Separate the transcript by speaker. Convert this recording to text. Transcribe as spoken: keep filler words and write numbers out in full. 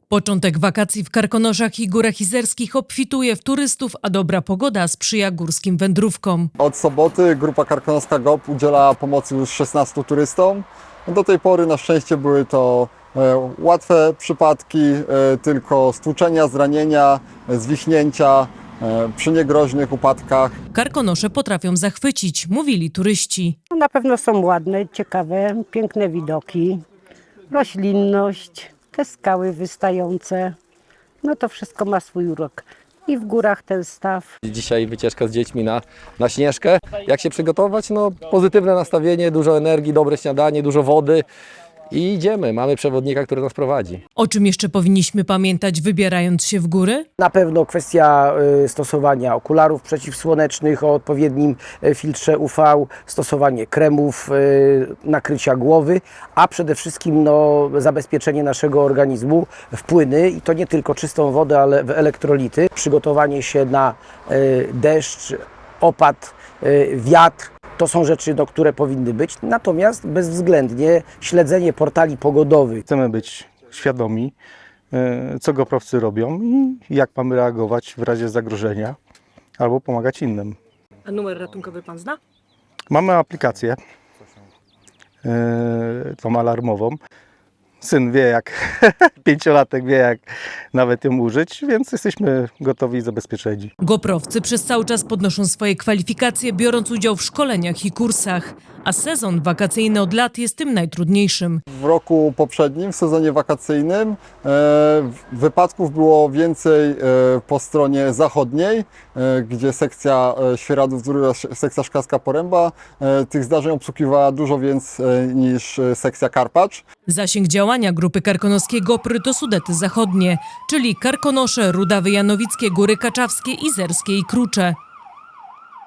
Speaker 1: Początek wakacji w Karkonoszach i Górach Izerskich obfituje w turystów, a dobra pogoda sprzyja górskim wędrówkom.
Speaker 2: Od soboty grupa karkonoska G O P udziela pomocy już szesnastu turystom. Do tej pory na szczęście były to e, łatwe przypadki, e, tylko stłuczenia, zranienia, e, zwichnięcia e, przy niegroźnych upadkach.
Speaker 1: Karkonosze potrafią zachwycić, mówili turyści.
Speaker 3: Na pewno są ładne, ciekawe, piękne widoki, roślinność, te skały wystające. No to wszystko ma swój urok. I w górach ten staw.
Speaker 4: Dzisiaj wycieczka z dziećmi na, na Śnieżkę. Jak się przygotować? No, pozytywne nastawienie, dużo energii, dobre śniadanie, dużo wody i idziemy. Mamy przewodnika, który nas prowadzi.
Speaker 1: O czym jeszcze powinniśmy pamiętać, wybierając się w góry?
Speaker 5: Na pewno kwestia y, stosowania okularów przeciwsłonecznych o odpowiednim y, filtrze U V, stosowanie kremów, y, nakrycia głowy, a przede wszystkim no, zabezpieczenie naszego organizmu w płyny i to nie tylko czystą wodę, ale w elektrolity. Przygotowanie się na y, deszcz, opad, y, wiatr. To są rzeczy, no, które powinny być, natomiast bezwzględnie śledzenie portali pogodowych.
Speaker 6: Chcemy być świadomi, co goprovcy robią i jak mamy reagować w razie zagrożenia albo pomagać innym.
Speaker 1: A numer ratunkowy pan zna?
Speaker 6: Mamy aplikację, tą alarmową. Syn wie jak, pięciolatek wie jak nawet ją użyć, więc jesteśmy gotowi i zabezpieczeni.
Speaker 1: Goprowcy przez cały czas podnoszą swoje kwalifikacje, biorąc udział w szkoleniach i kursach, a sezon wakacyjny od lat jest tym najtrudniejszym.
Speaker 2: W roku poprzednim, w sezonie wakacyjnym, e, wypadków było więcej e, po stronie zachodniej, e, gdzie sekcja e, Świeradów, druga sekcja Szklarska Poręba. E, tych zdarzeń obsługiwała dużo więcej e, niż e, sekcja Karpacz.
Speaker 1: Zasięg działania grupy karkonoskiej Gopry to Sudety Zachodnie, czyli Karkonosze, Rudawy Janowickie, Góry Kaczawskie, Izerskie i Krucze.